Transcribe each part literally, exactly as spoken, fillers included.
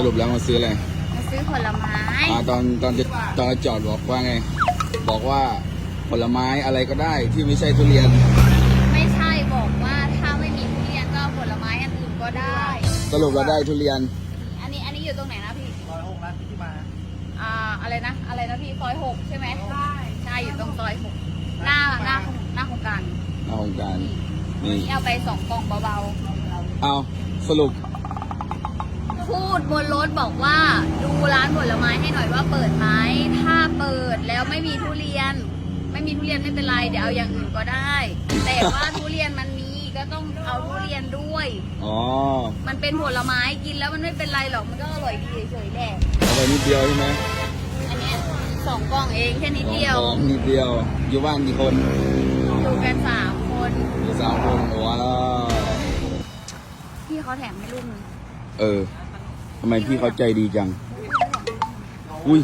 รุปแล้วมาซื้ออะไรมาซื้อผลไม้อ่าตอนตอนจะตอนจะจอดบอกว่าไง บอกว่าผลไม้อะไรก็ได้ที่ไม่ใช่ทุเรียนไม่ใช่บอกว่าถ้าไม่มีทุเรียนก็ผลไม้อันอื่นก็ได้สรุปเราได้ทุเรียนอันนี้อันนี้อยู่ตรงไหนนะพี่ซอยหกร้านที่มาอ่าอะไรนะอะไรนะพี่ซอยหกใช่ไหมใช่ใช่อยู่ตรงซอยหกหน้าหน้าหน้าโครงการเอาของการนี่นี่เอาไปสองกล่องเบาเอาสรุปๆพูดบนรถบอกว่าดูร้านผลไม้ให้หน่อยว่าเปิดไหมถ้าเปิดแล้วไม่มีทุเรียน ไม่มีทุเรียนไม่เป็นไรเดี๋ยวเอาอย่างอื่นก็ได้ แต่ว่าทุเรียนมันมีก็ต้องเอาทุเรียนด้วยอ๋อมันเป็นผลไม้กินแล้วมันไม่เป็นไรหรอกมันก็อร่อยดีเฉยๆแหละเอาไปนิดเดียวใช่ไหมอันเนี้ยสองกล่องเองแค่นิดเดียวสองนิดเดียว อยู่บ้านกี่คนอยู่กันสามคนอยู่สามคนโอ้ว้าวพี่เขาแถมให้ลูกนึงเออทำไมพี่เขาใจดีจัง อุ้ย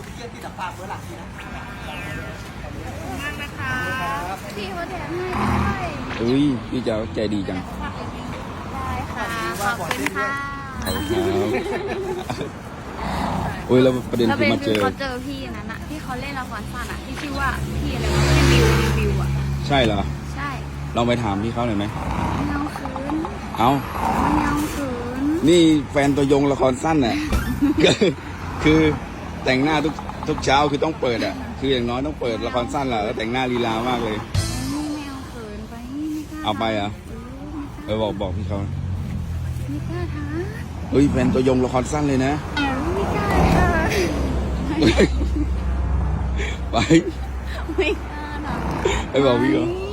มากนะคะพี่เขาแถมให้ด้วยอุ้ยพี่เจ้าใจดีจังได้ค่ะขอบคุณค่ะขอบคุณครับอุ้ยแล้วประเด็นแล้วคืเป็อน มาเจคืออเขาเจอพี่นั้นอะที่เขาเล่นละครสั้นอะที่ชื่อว่าพี่อะไรวะพี่บิวรีวิวอะใช่เหรอใช่ลองไปถามพี่เขาหน่อยไหมมันยังคืนเอามันยังคืนนี่แฟนตัวยงละครสั้นน่ะ คือคือแต่งหน้าทุกทุกเช้าคือต้องเปิดอ่ะ คืออย่างน้อยต้องเปิดละครสั้นแหละแล้วแต่งหน้าลีลามากเลยนี่แมวเขินไปไม่กล้าเอาไปเหรอ่ะเอเออบอกบอกพี่เขาอไม่กล้าท้าเฮ้ยแฟนตัวยงละครสั้นเลยนะเออไม่กล้าท้าไปไม่กล้าท้าไปบอกพี่เขาไม่